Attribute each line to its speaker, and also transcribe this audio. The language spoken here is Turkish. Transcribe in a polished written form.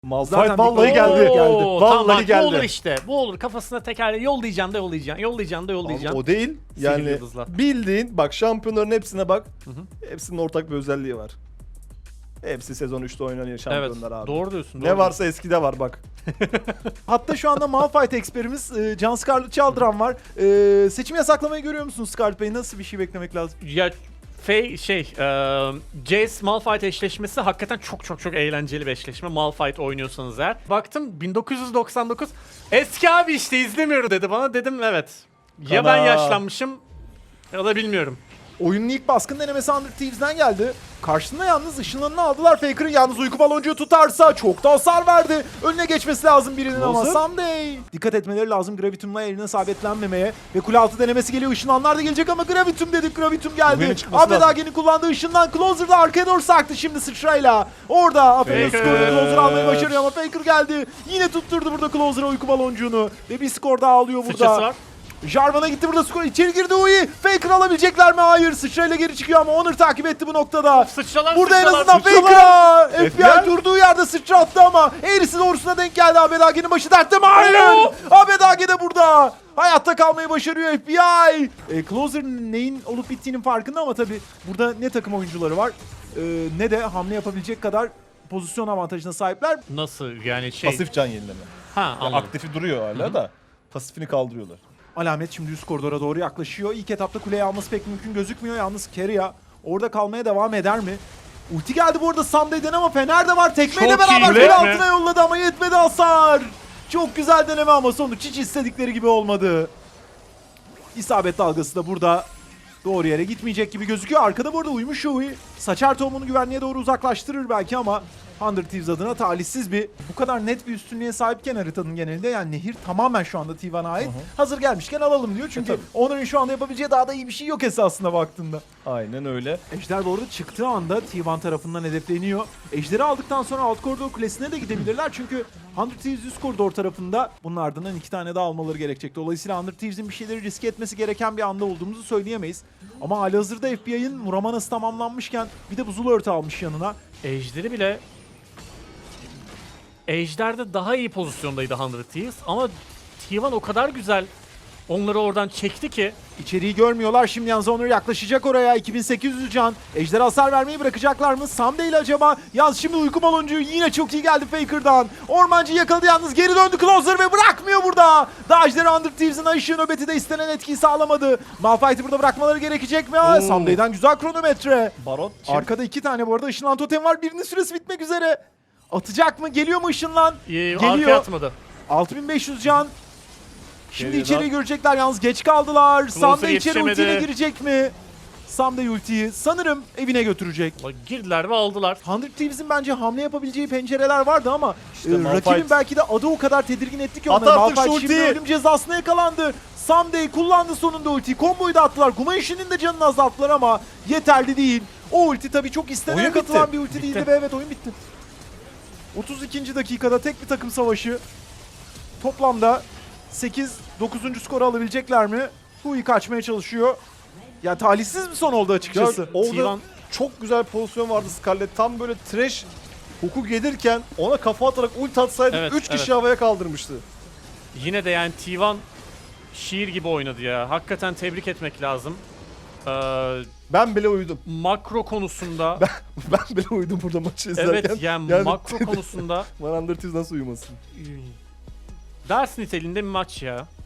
Speaker 1: Malphite
Speaker 2: Zaten
Speaker 1: vallahi
Speaker 2: bir-
Speaker 1: geldi.
Speaker 2: Oo,
Speaker 1: Vallahi
Speaker 2: tamam,
Speaker 1: geldi.
Speaker 2: Bu olur işte. Bu olur. Kafasına tekerle yollayacaksın da yollayacaksın. Yollayacaksın da yollayacaksın.
Speaker 1: O değil.
Speaker 2: Sihirli
Speaker 1: Yani
Speaker 2: yıldızla.
Speaker 1: bildiğin bak şampiyonların hepsine bak.
Speaker 2: Hı.
Speaker 1: Hepsinin ortak bir özelliği var. Hepsi sezon 3'te oynanıyor
Speaker 2: Evet.
Speaker 1: şampiyonlar abi.
Speaker 2: Doğru diyorsun.
Speaker 1: Ne
Speaker 2: doğru
Speaker 1: varsa eskide var bak.
Speaker 3: Hatta şu anda Malphite eksperimiz Can Scarlet Çaldıran var. Seçim yasaklamayı görüyor musunuz Scarlet Bey? Nasıl bir şey beklemek lazım?
Speaker 2: Ya Jace Malphite eşleşmesi hakikaten çok eğlenceli bir eşleşme. Malphite oynuyorsanız eğer. Baktım 1999 eski abi işte izlemiyor dedi bana. Dedim evet. Ya ben
Speaker 1: Ana.
Speaker 2: yaşlanmışım ya da bilmiyorum.
Speaker 3: Oyunun ilk baskın denemesi Under Thieves'den geldi. Karşısında yalnız ışınlarını aldılar. Faker'ın yalnız uyku baloncuğu tutarsa çok da hasar verdi. Önüne geçmesi lazım birinin ama
Speaker 1: Loser.
Speaker 3: Someday. Dikkat etmeleri lazım Gravitum'la eline sabitlenmemeye. Ve kule altı denemesi geliyor. Işınlanlar da gelecek ama Gravitum dedik. Gravitum geldi.
Speaker 1: Oyunun çıkması
Speaker 3: Ahmet
Speaker 1: lazım.
Speaker 3: Age'nin kullandığı ışından Closer da arkaya doğru sarktı şimdi sıçrayla. Orada Aferin
Speaker 2: Faker.
Speaker 3: skorda Closer almayı başarıyor ama Faker geldi. Yine tutturdu burada Closer'a uyku baloncuğunu. Ve bir skor daha alıyor burada.
Speaker 2: Sıçrası var.
Speaker 3: Jarvan'a gitti burada skor. İçeri girdi Uyi. Faker alabilecekler mi? Hayır. Sıçrayla geri çıkıyor ama Onur takip etti bu noktada.
Speaker 2: Sıçralar
Speaker 3: Burada en
Speaker 2: sıçralar,
Speaker 3: azından
Speaker 2: sıçralar.
Speaker 3: Faker'a FBI
Speaker 1: FBI
Speaker 3: durduğu yerde sıçrattı ama eğrisi doğrusuna denk geldi. Abedage'nin başı dertte mi? Hayır.
Speaker 2: Oo.
Speaker 3: Abedage de burada. Hayatta kalmayı başarıyor FBI. Closer neyin olup bittiğinin farkında ama tabii burada ne takım oyuncuları var ne de hamle yapabilecek kadar pozisyon avantajına sahipler.
Speaker 2: Nasıl yani
Speaker 1: Pasif can yenileme.
Speaker 2: Ha
Speaker 1: Yani
Speaker 2: anladım.
Speaker 1: aktifi duruyor hala da pasifini kaldırıyorlar.
Speaker 3: Alamet şimdi üst koridora doğru yaklaşıyor. İlk etapta kuleyi alması pek mümkün gözükmüyor. Yalnız Keria orada kalmaya devam eder mi? Ulti geldi bu arada Sunday'den ama Fener de var. Tekmeyle
Speaker 2: Çok
Speaker 3: beraber
Speaker 2: iyi,
Speaker 3: kule
Speaker 2: değil mi?
Speaker 3: altına yolladı ama yetmedi hasar. Çok güzel deneme ama sonuç hiç istedikleri gibi olmadı. İsabet dalgası da burada doğru yere gitmeyecek gibi gözüküyor. Arkada bu arada uyumuş Joey. Saçar tohumunu güvenliğe doğru uzaklaştırır belki ama Under Thieves adına talihsiz bir bu kadar net bir üstünlüğe sahipken haritanın genelinde yani nehir tamamen şu anda Tivan'a ait. Hazır gelmişken alalım diyor. Çünkü
Speaker 1: tabii.
Speaker 3: Onur'un şu anda yapabileceği daha da iyi bir şey yok esasında baktığında.
Speaker 1: Aynen öyle.
Speaker 3: Ejder bu arada çıktığı anda Tivan tarafından hedefleniyor. Ejder'i aldıktan sonra alt koridor kulesine de gidebilirler. Çünkü Under Thieves üst koridor tarafında bunun ardından 2 tane daha almaları gerekecek. Dolayısıyla Under Thieves'in bir şeyleri riske etmesi gereken bir anda olduğumuzu söyleyemeyiz. Ama halihazırda FBI'ın Muramanası tamamlanmışken bir de buzul örtü almış yanına.
Speaker 2: Ejder'i bile Ejder'de daha iyi pozisyondaydı 100 Thieves ama Tivan o kadar güzel onları oradan çekti ki
Speaker 3: İçeriği görmüyorlar. Şimdi yalnız Onur yaklaşacak oraya. 2800 can. Ejder hasar vermeyi bırakacaklar mı? Someday ile acaba? Yalnız şimdi uyku baloncuğu yine çok iyi geldi Faker'dan. Ormancı yakaladı yalnız. Geri döndü Closer ve bırakmıyor burada. Daha Ejder'i Under Thieves'in ışığı nöbeti de istenen etkiyi sağlamadı. Malphite'i burada bırakmaları gerekecek mi?
Speaker 1: Oo.
Speaker 3: Someday'den güzel kronometre.
Speaker 1: Baron.
Speaker 3: Arkada 2 tane bu arada ışınlan totem var. Birinin süresi bitmek üzere. Atacak mı? Geliyor mu ışınlan?
Speaker 2: arkaya
Speaker 3: Geliyor.
Speaker 2: atmadı.
Speaker 3: 6500 can. Şimdi
Speaker 1: Geriden-
Speaker 3: içeriği görecekler yalnız geç kaldılar. Sam da içeri
Speaker 2: yetişemedi.
Speaker 3: ultiyle girecek mi? Sam da ultiyi sanırım evine götürecek.
Speaker 2: Girdiler ve aldılar.
Speaker 3: 100 Thieves'in bence hamle yapabileceği pencereler vardı ama
Speaker 1: İşte Malphite-
Speaker 3: rakibin belki de adı o kadar tedirgin etti ki
Speaker 1: At
Speaker 3: onları.
Speaker 1: artık şu
Speaker 3: Malphite şimdi
Speaker 1: ultiyi.
Speaker 3: ölüm cezasına yakalandı. Someday kullandı sonunda ultiyi. Komboyu da attılar. Gumayushi'nin de canını azalttılar ama yeterli değil. O ulti tabii çok istenene
Speaker 1: Oyun
Speaker 3: katılan
Speaker 1: bitti.
Speaker 3: bir ulti
Speaker 2: Bitti.
Speaker 3: değildi ve evet oyun bitti. 32. dakikada tek bir takım savaşı. Toplamda 8-9. skoru alabilecekler mi? Hui kaçmaya çalışıyor. Ya talihsiz bir son oldu
Speaker 1: Ya,
Speaker 3: açıkçası.
Speaker 1: orada
Speaker 2: Tivan-
Speaker 1: çok güzel pozisyon vardı Scarlet. Tam böyle trash huku gelirken ona kafa atarak ult atsaydı
Speaker 2: Evet,
Speaker 1: 3 kişi
Speaker 2: evet.
Speaker 1: havaya kaldırmıştı.
Speaker 2: Yine de yani Tivan şiir gibi oynadı ya. Hakikaten tebrik etmek lazım.
Speaker 1: Ben bile uyudum.
Speaker 2: Makro konusunda
Speaker 1: Ben bile uyudum burada maçı izlerken.
Speaker 2: evet yani makro konusunda
Speaker 1: Van Under Thieves nasıl uyumasın?
Speaker 2: ders niteliğinde bir maç ya.